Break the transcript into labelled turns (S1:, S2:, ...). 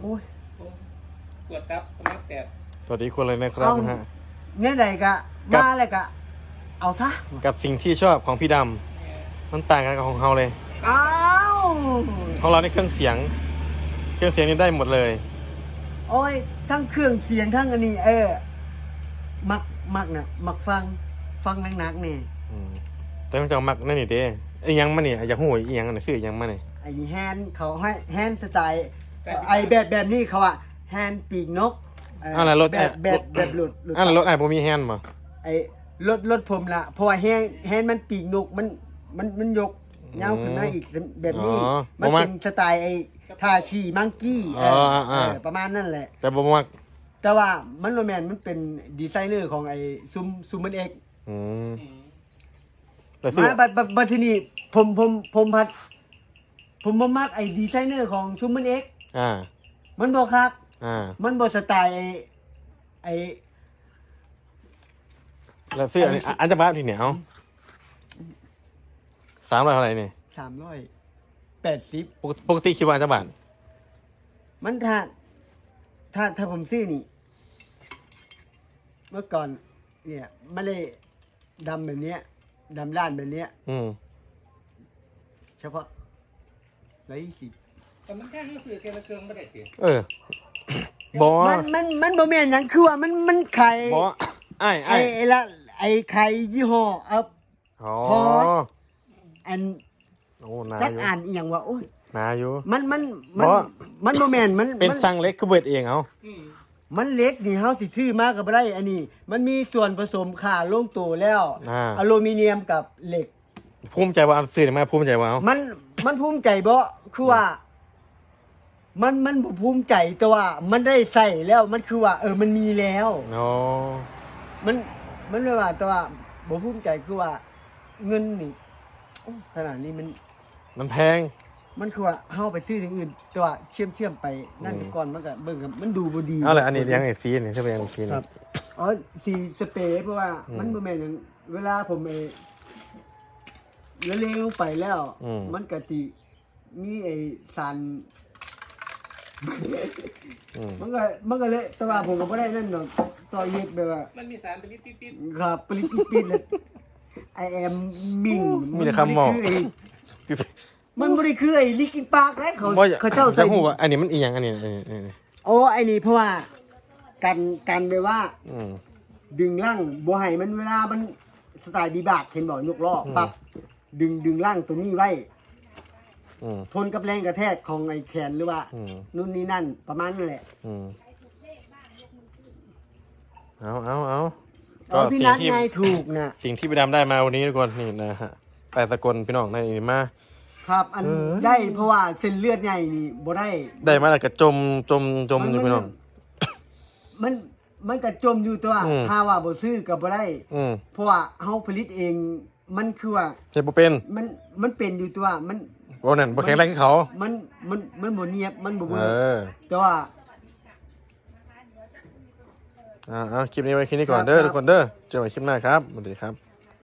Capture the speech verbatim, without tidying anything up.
S1: โอ้ย
S2: ปวดครับสมัครแตก
S3: สวัสดีคนเลยนะครับนะฮะ
S1: เนี่ยใดกะมาอะไรกะเอาซะ
S3: กับสิ่งที่ชอบของพี่ดำมันต่างกันกับของเราเลย
S1: อ้าว
S3: ของเราในเครื่องเสียงเครื่องเสียงนี่ได้หมดเลย
S1: โอ้ยทั้งเครื่องเสียงทั้งอันนี้เออมักมักเนี่ยมักฟังฟังนักๆนี่
S3: แต่ต้องจำมักนั่นนี่เด้ไอ้ยังมาเนี่ยอยากหูไอ้ยังอันไหนซื้อยังมาเนี่ย
S1: ไอ้นี่แฮนด์เขาให้แฮนด์สไตล์ไอ้แบบแบบนี้เขาอะแฮนด์ปีกนก
S3: อะไรรถ
S1: แบบแบบแบบหลุด
S3: อะไรรถไอ้ผมมีแฮนด์มา
S1: ไอ้รถรถผมละเพราะว่าแฮนด์แฮนด์มันปีกนกมันมันมันยกเงาขึ้นมาอีกแบบนี้มันเป็นสไตล์ไอ้ทาชีมังกี้เออประมาณนั่นแหละ
S3: แต่ผมว่า
S1: แต่ว่ามันโรแมนมันเป็นดีไซเนอร์ของไอ้ซุมซุมมันเอก
S3: อืม
S1: มาบัดบัดบัดที่นี่ผมผมผมพัดผมบ่มักไอ้ดีไซเนอร์ของซุมมันเอก
S3: อ่า
S1: มันบ่คัก
S3: อ่า
S1: มันบ่สไตล์ไอ้ไอ้
S3: แล้วซื้ออันจะบ้าทีเหนียวสามร้อยเท่าไหร่เนี่ย
S1: สามร้อยแปดสิบ
S3: ปกติคิดว่าอันจะบาท
S1: มันถ้าถ้าถ้าผมซื้อนี่เมื่อก่อนเนี่ยไม่ได้ดำแบบเนี้ยดำล้านแบบเนี้ย
S3: อืม
S1: เฉพาะร้อยยี่สิบ
S2: แต่มันแค่หนังสือเกมละเครื่องไม่ได้เสีย
S3: เออบอ
S1: มันมันมันบ่แม่นหยังคือว่ามันมันไข่
S3: บอไอ้ไอ้
S1: ไอ้ละไอ้ไข่ยี่ห้ออัพพออัน
S3: โอ้นา
S1: จักอ่านอีหยังว่าโอ้ย
S3: นาอยู่
S1: มันมันมันมันบ่แม่นมัน
S3: เป็นสั่งเล็กคือเบิดเองเอา
S1: มันเล็กนี่เฮาสิซื้อมาก็บ่ได้อันนี้มันมีส่วนผสมค่าลงตัวแล้วอลูมิเนียมกับเหล็ก
S3: ภูมิใจว่าซื้อมาภูมิใจว่าเอา
S1: มันมันภูมิใจบ่คือว่ามันมันบ่ภูมิใจแต่ว่ามันได้ใส่แล้วมันคือว่าเออมันมีแล้ว
S3: อ๋อ
S1: มันมันไม่ว่าแต่ว่าบ่ภูมิใจคือว่าเงินนี่ขนาดนี้มัน
S3: มันแพง
S1: มันคือว่าเฮาไปซื้ออย่างอื่นแต่ว่าเชื่อมเชื่อมไปนั่นก่อนมันก็เบิ่งมันดูบ่ดี
S3: เอาล่ะอันนี้ยังไอ้ซีนี่ใช่ป่ะยังซี
S1: ครับอ๋อสีสเปรย์เพราะว่ามันบ่แม่นหยังเวลาผมเอแล้วเลี้ยงลงไปแล้วมันก็สิมีไอ้สารมันก็มันก็เลยแต่ว่าผมก็บ่ได้นั่นเนาะต่อเย็ดแบบว่า
S2: มันมีสารปริ๊ด
S1: ๆครับปริ๊ดๆเลยไอแอมมิง
S3: มีแต่คำมอง
S1: มันบ่ได้คือไอ้ลิกินปากแล้วเขาเขาเจ้าใส่
S3: หูว่าอันนี้มันอีหยังอันนี้
S1: โอ้ไอ้นี่เพราะว่ากันกันไปว่าดึงล่างบ่ให้มันเวลามันสไตล์ดีบากเห็นบ่ยกล้อปั๊บดึงดึงล่างตรงนี้ไว้ทนกับแรงกระแทกของไอ้แขนหรือว่านู่นนี่นั่นประมาณนั่นแหละ
S3: เอาเอาเอา
S1: ก็สิ่งที่ถูกนะ
S3: สิ่งที่ไปดำได้มาวันนี้ทุกคนนี่นะฮะแปดสกลพี่น้องในนี่มา
S1: ครับอันได้เพราะว่าเส้นเลือดใหญ่นี่บ่ได้
S3: ได้มาแล้วก็จมจมจมอยู่พี่น้อง
S1: มันมันก็จมอยู่ตัวถ้าว่าบ่ซื้อก็บ่ได้เพราะว่าเฮาผลิตเองมันคือว่า
S3: ใช่บ่เป็น
S1: มันมันเป็นอยู่ตัวมัน
S3: บ่นั่นบ่แข็งแรงคือเขา
S1: มันมันมันบ่เนียบมันบ่เบิ่งแต่ว่า
S3: อ่าเอาคลิปนี้ไว้แค่นี้ก่อนเด้อทุกคนเด้อเจอกันใหม่คลิปหน้าครับสวัสดีครับ